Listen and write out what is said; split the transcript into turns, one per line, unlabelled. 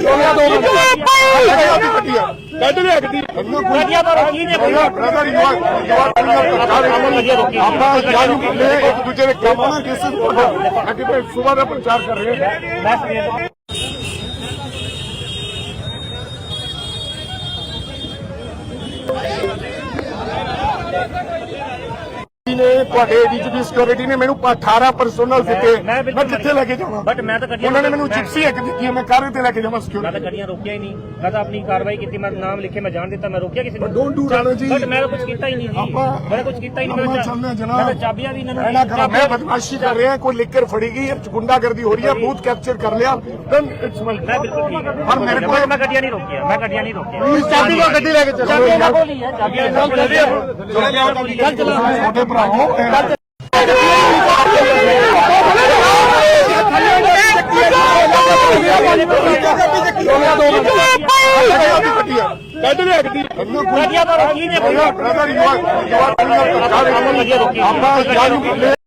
ਕੱਢ ਲਿਆ ਗੱਡੀ
ਗੱਡੀਆਂ ਤੋਂ ਰੋਕੀ ਨੇ
ਬ੍ਰਦਰ ਯੂ ਆਰ ਆਪਾਂ ਜਾਣੂ ਇੱਕ ਦੂਜੇ ਦੇ ਕੰਮ ਨਾਲ ਕਿਸ ਅੱਗੇ ਤੇ ਸੁਬਾਹ ਦਾ ਪ੍ਰਚਾਰ ਕਰ ਰਹੇ ਹਾਂ ਨੇ ਤੁਹਾਡੇ ਡੀਜੀਪੀ ਸਿਕਿਉਰਿਟੀ ਨੇ ਮੈਨੂੰ 18 ਪਰਸਨਲ ਦਿੱਤੇ ਮੈਂ ਕਿੱਥੇ ਲੈ ਕੇ ਜਾਵਾਂ
ਬਟ ਮੈਂ ਤਾਂ ਗੱਡੀਆਂ
ਉਹਨਾਂ ਨੇ ਮੈਨੂੰ ਜਿਪਸੀ ਇੱਕ ਦਿੱਤੀ ਹੈ ਮੈਂ ਕਾਰੇ ਤੇ ਲੈ ਕੇ ਜਾਵਾਂ
ਮੈਂ
ਸਿਕਿਉਰਿਟੀ
ਤਾਂ ਗੱਡੀਆਂ ਰੋਕਿਆ ਹੀ ਨਹੀਂ ਮੈਂ ਤਾਂ ਆਪਣੀ ਕਾਰਵਾਈ ਕੀਤੀ ਮੈਂ ਨਾਮ ਲਿਖੇ ਮੈਂ ਜਾਣ ਦਿੱਤਾ ਮੈਂ ਰੋਕਿਆ ਕਿਸੇ ਨੂੰ
ਡੋਂਟ ਡੂ ਰਾਣੋ ਜੀ
ਬਟ ਮੈਂ ਤਾਂ ਕੁਝ ਕੀਤਾ ਹੀ ਨਹੀਂ ਜੀ ਮੈਂ ਕੁਝ ਕੀਤਾ ਹੀ ਨਹੀਂ
ਆਪਾਂ ਚੱਲਦੇ ਜਨਾਬ
ਮੈਂ ਤਾਂ ਚਾਬੀਆਂ ਵੀ ਇਹਨਾਂ
ਐਨਾ ਕਰ ਮੈਂ
ਨੂੰ
ਬਦਮਾਸ਼ੀ ਕਰ ਰਿਹਾ ਕੋਈ ਲਿਕਰ ਫੜੀ ਗਈ ਗੁੰਡਾਗਰਦੀ ਹੋ ਰਹੀ ਹੈ ਬੂਥ ਕੈਪਚਰ ਕਰ ਲਿਆ ਦੈਨ ਇਟਸ ਮਾਈ
ਮੈਂ ਬਿਲਕੁਲ ਠੀਕ ਹੈ
ਪਰ ਮੇਰੇ ਕੋਲ
ਮੈਂ ਗੱਡੀਆਂ ਨਹੀਂ ਰੋਕੀਆਂ ਮੈਂ ਗੱਡੀਆਂ ਨਹੀਂ ਰੋਕੀਆਂ
ਚਾਬੀ ਕੋ ਗੱਡੀ ਲੈ ਕੇ ਚੱਲੋ
ਚਾਬੀਆਂ ਇਹਨਾਂ ਕੋਲ ਹੀ ਹੈ ਚਾਬੀਆਂ ਇਹਨਾਂ ਕੋਲ ਹੈ
ਛੋਟੇ ਭਰਾਓ ਕੱਢ ਲਿਆ ਗੱਡੀ
ਗੱਡੀਆਂ ਤੋਂ ਰੋਕੀ ਨੇ
ਬ੍ਰਦਰ ਯੂ ਆਰ ਆਪਾਂ ਜਾਣੂ